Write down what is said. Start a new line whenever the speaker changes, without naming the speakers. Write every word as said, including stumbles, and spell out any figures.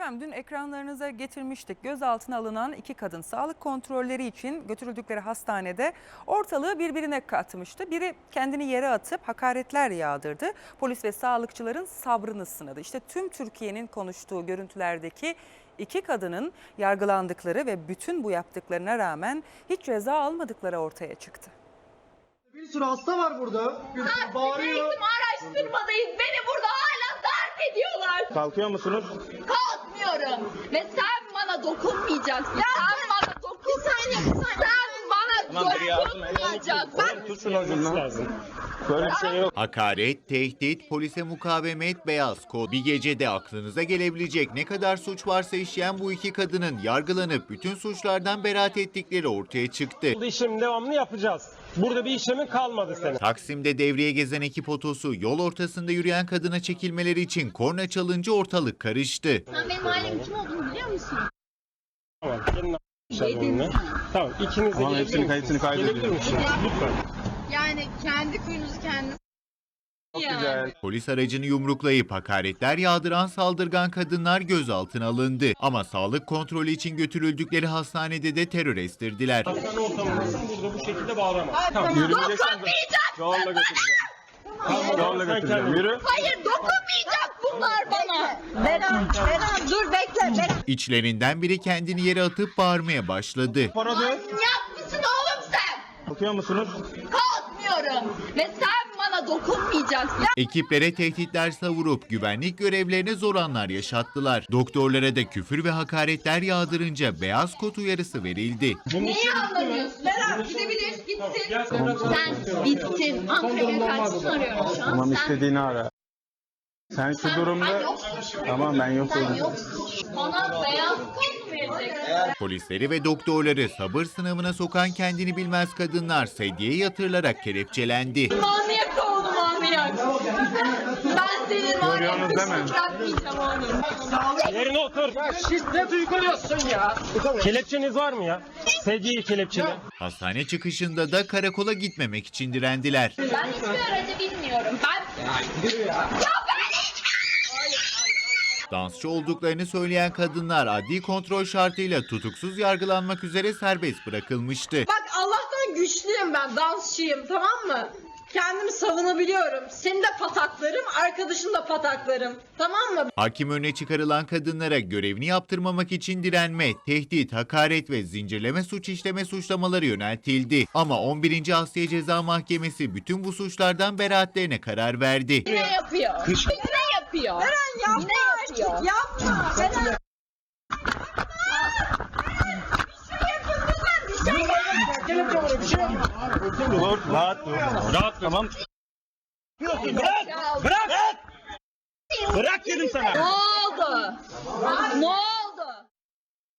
Efendim dün ekranlarınıza getirmiştik. Gözaltına alınan iki kadın sağlık kontrolleri için götürüldükleri hastanede ortalığı birbirine katmıştı. Biri kendini yere atıp hakaretler yağdırdı. Polis ve sağlıkçıların sabrını sınadı. İşte tüm Türkiye'nin konuştuğu görüntülerdeki iki kadının yargılandıkları ve bütün bu yaptıklarına rağmen hiç ceza almadıkları ortaya çıktı.
Bir sürü hasta var burada.
Biz
Bağırıyor.
eğitim araştırmadayız. Beni burada hala darp ediyorlar.
Kalkıyor musunuz?
Kalkmıyorum. Ve sen bana dokunmayacaksın. Sen bana dokunmayacaksın. Sen bana dokunmayacaksın.
Tutun ucundan. Böyle bir şey yok.
Hakaret, tehdit, polise mukavemet, beyaz kod. Bir gecede aklınıza gelebilecek ne kadar suç varsa işleyen bu iki kadının yargılanıp bütün suçlardan beraat ettikleri ortaya çıktı.
Bu işlemi devamlı yapacağız. Burada bir işlemin kalmadı senin.
Taksim'de devreye gezen ekip otosu yol ortasında yürüyen kadına çekilmeleri için korna çalınca ortalık karıştı.
Sen benim ailemin kim olduğunu biliyor musun?
Tamam. Gelin a**lar. Tamam. İkiniz de
Tamam,
gelebilir
hepsini
misiniz?
kayıtını kaydediyorum.
Gelebilir misiniz? Lütfen.
Yani kendi kuyunuzu kendiniz. Yani.
Polis aracını yumruklayıp hakaretler yağdıran saldırgan kadınlar gözaltına alındı. Ama sağlık kontrolü için götürüldükleri hastanede de terör estirdiler.
Hastane ortamındasın, burada bu şekilde bağıramaz. Tamam.
Dokunmayacaksın
Yolla götüreceğim.
Tamam.
Yolla
Sen
götüreceğim.
kendin-
Yürü.
Hayır dokunmayacak bunlar bana. Berat, Berat dur bekle. Berat.
İçlerinden biri kendini yere atıp bağırmaya başladı.
Para dön.
Manyak mısın oğlum sen?
Kalkıyor musunuz?
Kalkmıyorum. Ve sen bana dokunmayacaksın.
Ekiplere tehditler savurup güvenlik görevlerine zor anlar yaşattılar. Doktorlara da küfür ve hakaretler yağdırınca beyaz kod uyarısı verildi.
Neyi anlamıyorsun? Berat gidebilir gitsin. Sen bittin. Ankara'ya karşısını arıyorum şu an.
Tamam,
Sen,
istediğini ara. Sen şu
sen
durumda...
yoksun.
Tamam, ben yokum.
Sen yoksun. Bana beyaz kod mu vereceksin?
Polisleri ve doktorları sabır sınavına sokan kendini bilmez kadınlar sedyeye yatırılarak kelepçelendi.
Manyak oğlum manyak. Ben senin var ya
Görüyorsunuz değil mi?
kuşunu bırakmayacağım oğlum.
Yerine otur.
Şiddet uyguluyorsun ya.
Kelepçeniz var mı ya? Sedyeyi kelepçeli.
Hastane çıkışında da karakola gitmemek için direndiler.
Ben hiçbir aracı bilmiyorum. Ben... Ya ben hiç...
Dansçı olduklarını söyleyen kadınlar adli kontrol şartıyla tutuksuz yargılanmak üzere serbest bırakılmıştı.
Bak Allah'tan güçlüyüm ben, dansçıyım, tamam mı? Kendimi savunabiliyorum. Seni de pataklarım, arkadaşın da pataklarım. Tamam mı?
Hakim önüne çıkarılan kadınlara görevini yaptırmamak için direnme, tehdit, hakaret ve zincirleme suç işleme suçlamaları yöneltildi. Ama on birinci Asliye Ceza Mahkemesi bütün bu suçlardan beraatlerine karar verdi.
Ne yapıyor? Ne yapıyor?
Eren yapma
Ne
artık,
yapıyor?
yapma. Eren.
Dur, rahat dur.
Rahat tamam.
Bırak!
Bırak! Bırak dedim sana.
Ne oldu? Ne oldu?